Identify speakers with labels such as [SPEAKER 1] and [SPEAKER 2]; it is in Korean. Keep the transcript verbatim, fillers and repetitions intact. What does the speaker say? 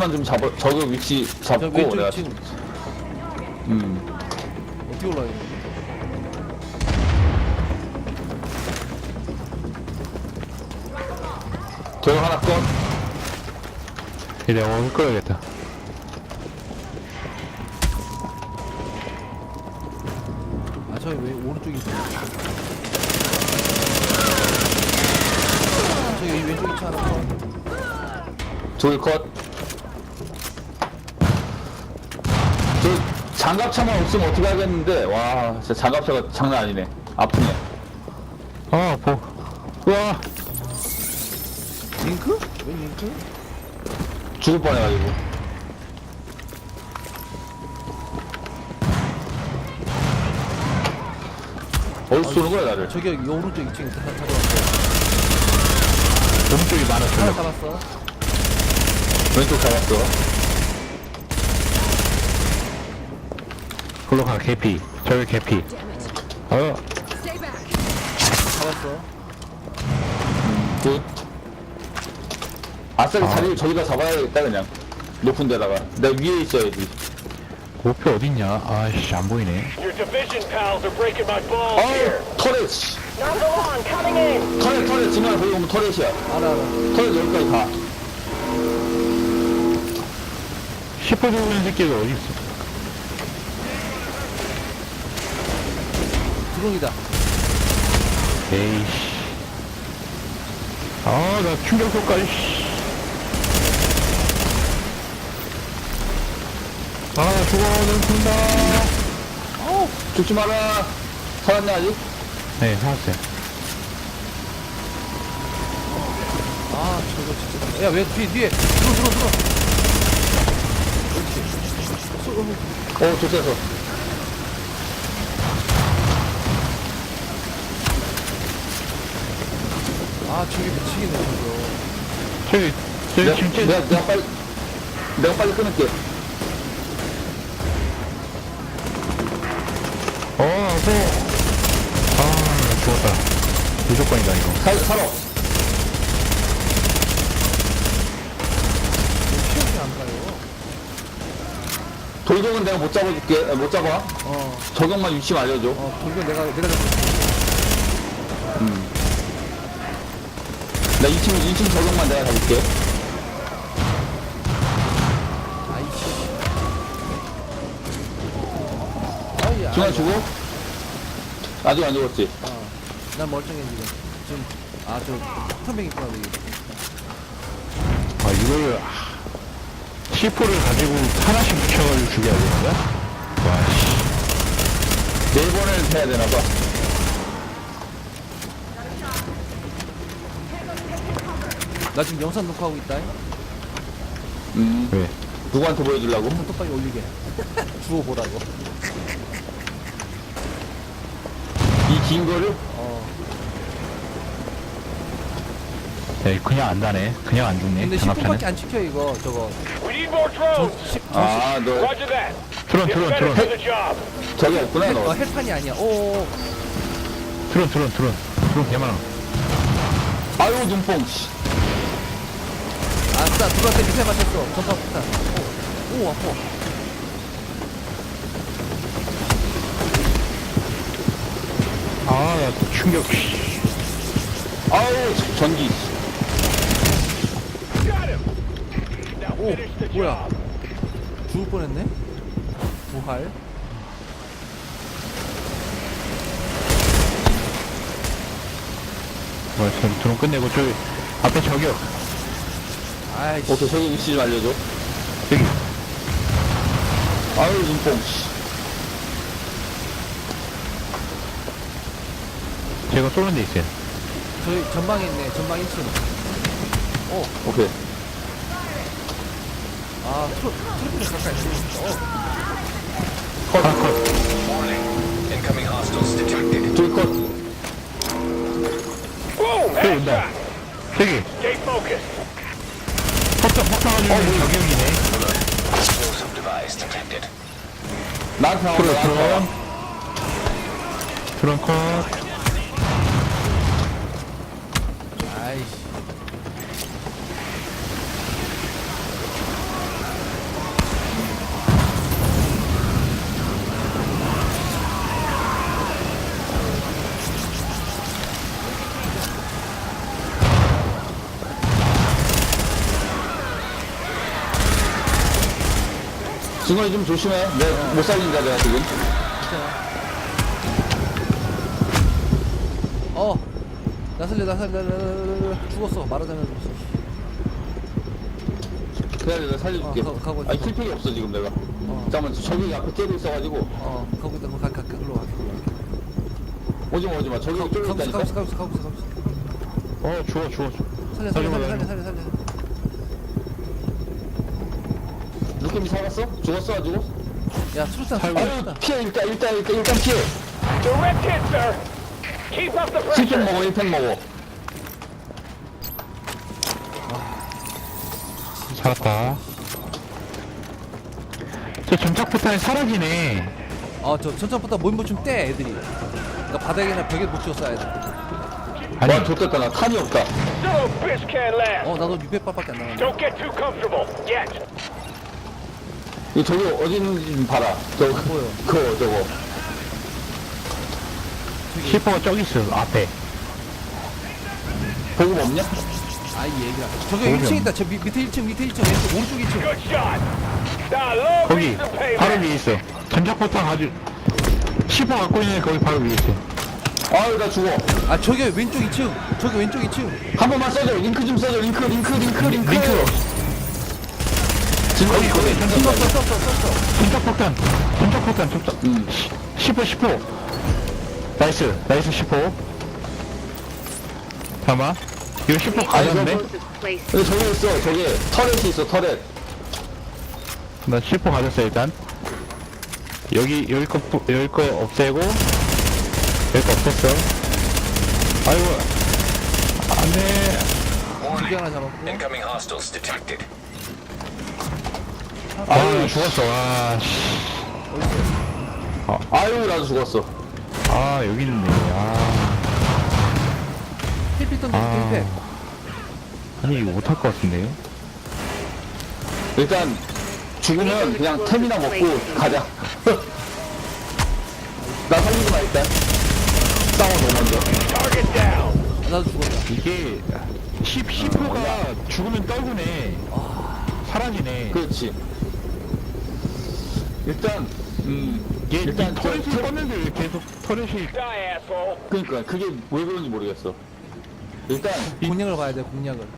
[SPEAKER 1] 위치만 좀 잡아, 저기 위치
[SPEAKER 2] 저
[SPEAKER 1] 잡고
[SPEAKER 2] 왼쪽
[SPEAKER 1] 내가.
[SPEAKER 2] 지금
[SPEAKER 1] 음.
[SPEAKER 2] 어떻게 올라가요?
[SPEAKER 1] 저기 하나 건.
[SPEAKER 3] 이제 오늘 끌어야겠다.
[SPEAKER 2] 아 저기 왜 오른쪽이 있어? 저기 왼쪽 위치 하나 더.
[SPEAKER 1] 둘 컷. 저 장갑차만 없으면 어떻게 하겠는데. 와, 진짜 장갑차가 장난 아니네. 아프네.
[SPEAKER 3] 아, 보. 우와.
[SPEAKER 2] 링크? 왜 링크?
[SPEAKER 1] 죽을 뻔해가지고. 어디서 쏘는 거야, 나를?
[SPEAKER 2] 저기 여기 오른쪽 이 층에 다 잡았어.
[SPEAKER 3] 오른쪽이
[SPEAKER 2] 하나
[SPEAKER 3] 많았어요.
[SPEAKER 2] 잡았어.
[SPEAKER 1] 왼쪽 잡았어.
[SPEAKER 3] 홀로가 개피. 저기 개피. 어,
[SPEAKER 2] 잡았어.
[SPEAKER 1] 굿. 아싸리
[SPEAKER 3] 아.
[SPEAKER 1] 자리를 저기다 잡아야겠다, 그냥. 높은 데다가. 내가 위에 있어야지.
[SPEAKER 3] 목표 어딨냐? 아이씨, 안 보이네.
[SPEAKER 4] Your division pals are breaking my balls here.
[SPEAKER 1] 어우, 터렛, 씨.
[SPEAKER 4] Number one, coming in.
[SPEAKER 1] 터렛, 터렛. 지금 거기 오면 터렛이야.
[SPEAKER 2] 알아 알아.
[SPEAKER 1] 터렛 여기까지 가.
[SPEAKER 3] 시퍼 들어오는 새끼가 어디 있어?
[SPEAKER 2] 드론이다.
[SPEAKER 3] 에이씨. 아, 나 충격효과지, 씨. 아, 죽어, 넌 죽는다.
[SPEAKER 1] 어우, 죽지 마라. 살았냐, 아직?
[SPEAKER 3] 네, 살았어요.
[SPEAKER 2] 아 저거 진짜. 야 왜 뒤에 뒤에 들어 들어 들어.
[SPEAKER 1] 어, 좋겠어.
[SPEAKER 2] 아 저기 미치겠네 저거.
[SPEAKER 3] 저기, 저기
[SPEAKER 1] 내가,
[SPEAKER 3] 진짜.
[SPEAKER 1] 내가, 내가 빨리, 내가 빨리 끊을게.
[SPEAKER 3] 어, 뭐. 아, 나 죽었다. 무조건이다, 이거.
[SPEAKER 1] 살, 살아.
[SPEAKER 2] 시험이 안 가요.
[SPEAKER 1] 돌격은 내가 못 잡아줄게. 아, 못 잡아.
[SPEAKER 2] 어.
[SPEAKER 1] 적용만 위치만 알려줘.
[SPEAKER 2] 어 돌격 내가 내가 잡고.
[SPEAKER 1] 나 이 층, 이 층 적용만 내가 잡을게.
[SPEAKER 2] 아이씨. 아이
[SPEAKER 1] 중간
[SPEAKER 2] 아이.
[SPEAKER 1] 주고. 아직 안 죽었지.
[SPEAKER 2] 어. 난 멀쩡해 지금. 지금 아저 폭탄병 있구나 여기.
[SPEAKER 3] 아, 이걸, 시포를 가지고 하나씩 붙여가지고 죽여야 되는 거야? 와, 씨.
[SPEAKER 1] 네 번을 해야 되나봐.
[SPEAKER 2] 나 지금 영상 녹화하고 있다.
[SPEAKER 1] 음,
[SPEAKER 3] 왜?
[SPEAKER 1] 누구한테 보여주려고?
[SPEAKER 2] 똑바로 올리게. 주워 보라고.
[SPEAKER 1] 이 긴 거를?
[SPEAKER 2] 어.
[SPEAKER 3] 야, 그냥 안 다네. 그냥 안 죽네.
[SPEAKER 2] 근데
[SPEAKER 3] 장갑차는.
[SPEAKER 2] 십 분밖에 안 지켜 이거 저거.
[SPEAKER 4] We need more drones.
[SPEAKER 2] 십,
[SPEAKER 1] 아, 너,
[SPEAKER 4] Roger that.
[SPEAKER 3] 트론,
[SPEAKER 4] Get
[SPEAKER 3] 트론,
[SPEAKER 4] better
[SPEAKER 3] 트론.
[SPEAKER 4] for the job.
[SPEAKER 1] 저기 없구나,
[SPEAKER 2] 어
[SPEAKER 1] 너.
[SPEAKER 2] 헬판이 아니야. 오.
[SPEAKER 3] 트론, 트론, 트론. 트론 개많아.
[SPEAKER 1] 아유, 눈뽕, 씨.
[SPEAKER 2] 아싸 누구한테 밑에 맞췄어. 전파 폭탄. 오, 오 아파.
[SPEAKER 3] 아, 나 또 충격, 씨.
[SPEAKER 1] 아우, 전기.
[SPEAKER 4] Got him. Now
[SPEAKER 2] 오
[SPEAKER 4] finish the
[SPEAKER 2] 뭐야.
[SPEAKER 4] job.
[SPEAKER 2] 죽을 뻔했네. 부활.
[SPEAKER 3] 뭐야, 저 드론 끝내고 저기, 앞에 저기요.
[SPEAKER 2] 아이씨.
[SPEAKER 1] 오케이, 저기 위치 좀 알려줘.
[SPEAKER 3] 저기.
[SPEAKER 1] 아유, 눈뽕, 씨.
[SPEAKER 3] 제가 쏘는 데 있어요.
[SPEAKER 2] 저희 전방에 있네. 전방 일 층. 오.
[SPEAKER 1] 오케이.
[SPEAKER 2] 아 트로 트로피를 가까이 있어. 어.
[SPEAKER 3] 컷, 컷.
[SPEAKER 5] Incoming hostiles detected.
[SPEAKER 1] 둘 컷.
[SPEAKER 4] Boom.
[SPEAKER 3] 저기 온다.
[SPEAKER 4] Headshot.
[SPEAKER 3] 저기.
[SPEAKER 4] Stay focused.
[SPEAKER 3] 폭탄, 폭탄 가지고 있는 저격이네.
[SPEAKER 5] Explosive device detected.
[SPEAKER 1] 나한테 나온다,
[SPEAKER 3] 트론,
[SPEAKER 1] 나한테 나와.
[SPEAKER 3] 트론. 트론 컷.
[SPEAKER 2] 아이씨.
[SPEAKER 1] 승원이 좀 조심해. 내가 못 살린다, 내가 지금.
[SPEAKER 2] 괜찮아. 어, 나 살려, 나 살려, 나 살려, 나 살려. 죽었어. 말하자면 죽었어.
[SPEAKER 1] 그래, 내가 살려줄게.
[SPEAKER 2] 어, 가- 가고 있어.
[SPEAKER 1] 아니, 킬팩이 없어, 지금 내가.
[SPEAKER 2] 어,
[SPEAKER 1] 잠깐만, 저기 앞에 째고 있어가지고.
[SPEAKER 2] 어, 가고 있다. 가, 가, 가, 글로 가. 글로 가.
[SPEAKER 1] 오지마, 오지마. 저기 쫄고
[SPEAKER 2] 가고 있어,
[SPEAKER 1] 있다니까.
[SPEAKER 2] 가고 있어, 가고 있어, 가고 있어, 가고 있어.
[SPEAKER 3] 어 죽어 죽어 죽어.
[SPEAKER 2] 살려, 살려,
[SPEAKER 3] 살려봐,
[SPEAKER 2] 살려, 살려, 살려, 살려.
[SPEAKER 1] 루켓이 살았어? 죽었어, 안 죽었어?
[SPEAKER 2] 야, 수류탄,
[SPEAKER 3] 살고
[SPEAKER 1] 아유,
[SPEAKER 2] 수류탄.
[SPEAKER 1] 피해, 일단, 일단, 일단, 일단 피해.
[SPEAKER 4] Direct hit, sir. Keep up the
[SPEAKER 1] 칠 팩
[SPEAKER 4] pressure.
[SPEAKER 1] 먹어, 일 팩 먹어.
[SPEAKER 3] 살았다. 저 점착포탄이 사라지네.
[SPEAKER 2] 어, 저 전차부터 모임보충 떼, 애들이. 그러니까 바닥이나 벽에 못 치워 쏴야 돼.
[SPEAKER 3] 아니
[SPEAKER 1] 와, 좋겠다. 나 탄이 없다.
[SPEAKER 4] No bitch can't last.
[SPEAKER 2] 어, 나도 육백 발밖에 안 남았네.
[SPEAKER 4] Don't get too comfortable yet.
[SPEAKER 1] 이 저기 어디 있는지 좀 봐라. 저,
[SPEAKER 2] 보여.
[SPEAKER 1] 그거, 저거.
[SPEAKER 3] 시퍼가 저기 있어 앞에.
[SPEAKER 1] 보급 없냐?
[SPEAKER 2] 아이, 얘기야. 저기
[SPEAKER 3] 보이면.
[SPEAKER 2] 일 층 있다. 저 밑, 밑에 일 층, 밑에 일 층, 왼쪽, 오른쪽 일 층.
[SPEAKER 4] Good shot. Now, long
[SPEAKER 3] 거기
[SPEAKER 4] reason payback.
[SPEAKER 3] 바로 위에 있어. 점착포탄 아주 시퍼 갖고 있는 애 거기 바로 위에 있어.
[SPEAKER 1] 아유, 나 죽어.
[SPEAKER 2] 아, 저기 왼쪽 이 층. 저기 왼쪽 이 층.
[SPEAKER 1] 한 번만 써줘. 링크 좀 써줘. 링크, 링크, 링크, 링크.
[SPEAKER 3] 링크.
[SPEAKER 1] 지금 거기, 거기.
[SPEAKER 2] 썼어, 썼어, 썼어.
[SPEAKER 3] 점착포탄 점착포탄 점착.
[SPEAKER 1] 음.
[SPEAKER 3] 시퍼 시퍼. 나이스 나이스 시퍼. 잠깐만. 이거 시퍼 가졌네.
[SPEAKER 6] Explosive placed.
[SPEAKER 1] 근데 저기 있어. 저기 터렛이 있어. 터렛.
[SPEAKER 3] 나 시퍼 가졌어 일단. 여기 여기 거 부- 여기 거 없애고 여기 거 없앴어. 아이고 안돼.
[SPEAKER 2] 두 개
[SPEAKER 5] Warning.
[SPEAKER 2] 하나 잡았고.
[SPEAKER 5] Incoming hostiles detected.
[SPEAKER 3] 아 죽었어. 아, 씨.
[SPEAKER 1] 아유, 나도 죽었어.
[SPEAKER 3] 아 여기 있네. 아
[SPEAKER 2] 힐필 던져,
[SPEAKER 3] 아.
[SPEAKER 2] 힐필.
[SPEAKER 3] 아니 이거 못할 것 같은데요?
[SPEAKER 1] 일단 죽으면 그냥 템이나 먹고 가자. 나 살리지 마 일단. 싸워 너 먼저.
[SPEAKER 4] Target down.
[SPEAKER 2] 아, 나도 죽었다.
[SPEAKER 3] 이게 십 시퍼가 죽으면 떨구네. 사라지네.
[SPEAKER 1] 그렇지. 일단 음
[SPEAKER 3] 이게
[SPEAKER 1] 일단
[SPEAKER 3] 일단
[SPEAKER 1] 저-
[SPEAKER 3] 터렛을
[SPEAKER 1] 저-
[SPEAKER 3] 껐는데 왜 계속 터렛이
[SPEAKER 4] Die, asshole.
[SPEAKER 1] 그러니까 그게 왜 그런지 모르겠어. 일단
[SPEAKER 2] 공략을 봐야 돼, 공략을.